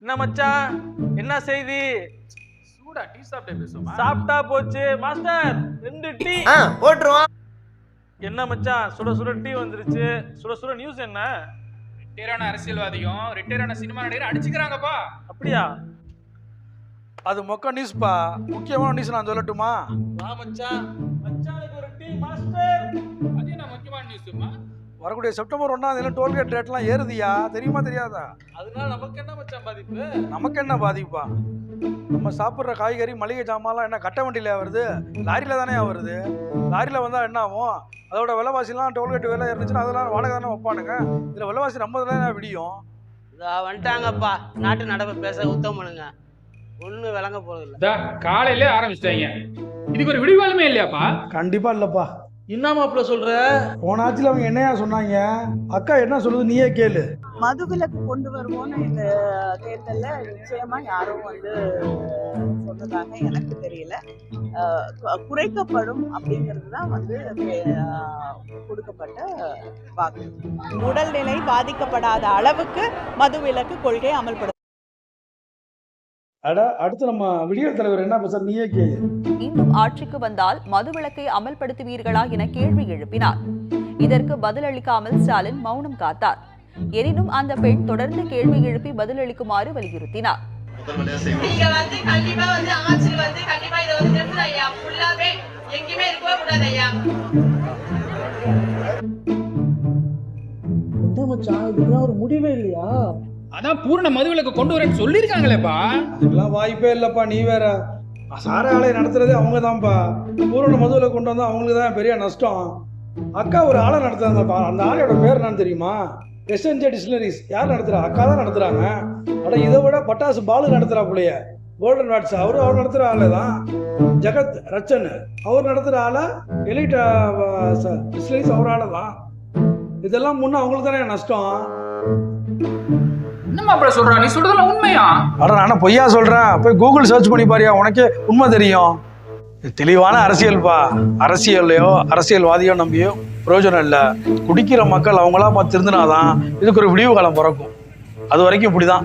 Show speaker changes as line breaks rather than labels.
என்ன மச்சான், என்ன செய்தி?
சூடா டீ சாப்பிட்டே பேசுமா?
சாப்பிட்டா போச்சு மாஸ்டர், 2 டீ
போட்டுருவோம்.
என்ன மச்சான், சுட சுட டீ வந்துருச்சு. சுட சுட நியூஸ் என்ன?
ரிட்டையரான அரசியல்வாதியும் ரிட்டையரான சினிமா நடிகரும் அடிச்சுக்கிறாங்கப்பா.
அப்படியா?
அது மொக்க நியூஸ்பா. முக்கியமான நியூஸ் நான் சொல்லட்டுமா?
வா மச்சான், மச்சானுக்கு ஒரு டீ மாஸ்டர்.
அது என்ன முக்கியமான நியூஸ்மா?
வரக்கூடிய செப்டம்பர் 1ஆம் தேதி டோல்கேட் ரேட்லாம் ஏறுதியா? தெரியுமா தெரியாதா?
அதனால நமக்கு என்ன மச்சான் பாதிப்பு?
நமக்கு என்ன பாதிப்பா? நம்ம சாப்பிட்ற காய்கறி மளிகை ஜாமான்லாம் என்ன கட்ட வண்டியில வருது? லாரியில தானே வருது. லாரியில வந்தா என்ன ஆகும்? அதோட விலைவாசிலாம் டோல்கேட் விலை இருந்துச்சுன்னா அதெல்லாம் வாடகை தானே வைப்பானுங்க. இதில் விலைவாசி ரொம்ப தானே விடியும்.
வந்துட்டாங்கப்பா, நாட்டு நடப்பு பேச உத்தம் பண்ணுங்க. ஒன்றும் விளங்க போறது இல்லை.
காலையிலே ஆரம்பிச்சிட்டாங்க. இதுக்கு ஒரு விடிவாலுமே இல்லையாப்பா?
கண்டிப்பா இல்லப்பா.
என்ன மாப்பிள்ள சொல்ற?
போன ஆட்சியில் அவங்க என்னையா சொன்னாங்க? அக்கா என்ன சொல்லுது நீயே கேளு.
மதுவிலக்கு கொண்டு வருவோம்னு இந்த தேர்தலில் நிச்சயமா யாரும் சொன்னதாக எனக்கு தெரியல. குறைக்கப்படும் அப்படிங்கிறது தான் கொடுக்கப்பட்ட வாக்கு. உடல்நிலை பாதிக்கப்படாத அளவுக்கு மதுவிலக்கு கொள்கை அமல்படுத்த.
அடுத்து நம்ம விடியல் தலைவர் என்ன பேச நீயே கேளு.
மீண்டும் ஆட்சிக்கு வந்தால் மதுவிலக்கை அமல்படுத்துவீர்களா என கேள்வி எழுப்பினார். இதற்கு பதிலளிக்காமல் ஸ்டாலின் மௌனம் காத்தார். எனினும் அந்த பெண் தொடர்ந்து கேள்வி எழுப்பி பதிலளிக்குமாறு வலியுறுத்தினார்.
ஒரு முடிவே இல்லையா?
அதான் பூரண மதுவிலக்கு கொண்டு வரேன்னு சொல்லியிருக்காங்களேப்பா.
அதுக்கெல்லாம் வாய்ப்பே இல்லப்பா. நீ வேற. சார ஆலை நடத்துறதே அவங்க தான்ப்பா. பூரண மதுவில் கொண்டு வந்தா அவங்களுக்கு தான் பெரிய நஷ்டம். அக்கா ஒரு ஆலை நடத்துறாங்கப்பா. அந்த ஆலையோட பேர் என்னன்னு தெரியுமா? SNJ distilleries. யார் நடத்துறா? அக்கா தான் நடத்துறாங்க. ஆனால் இதை விட பட்டாசு பாலு நடத்துறா பிள்ளைய. கோல்டன் வாட்ஸ் அவர் நடத்துகிற ஆளை தான். ஜெகத் ரச்சன் அவர் நடத்துகிற ஆளை. எலிட் டிஸ்டிலரிஸ் அவர் ஆளை தான். இதெல்லாம் முன்னே அவங்களுக்கு தானே நஷ்டம்.
என்னமா அப்படி சொல்றா? நீ சொல்றதெல்லாம் உண்மையா?
அட நானே பொய்யா சொல்றேன். போய் கூகுள் சர்ச் பண்ணி பாரியா, உனக்கே உண்மை தெரியும். தெளிவான அரசியல்பா. அரசியல்லையோ அரசியல்வாதியோ நம்பியோ பிரயோஜனம் இல்லை. குடிக்கிற மக்கள் அவங்களா பார்த்து திருந்தினாதான் இதுக்கு ஒரு விடிவு காலம் பிறக்கும். அது வரைக்கும் இப்படிதான்.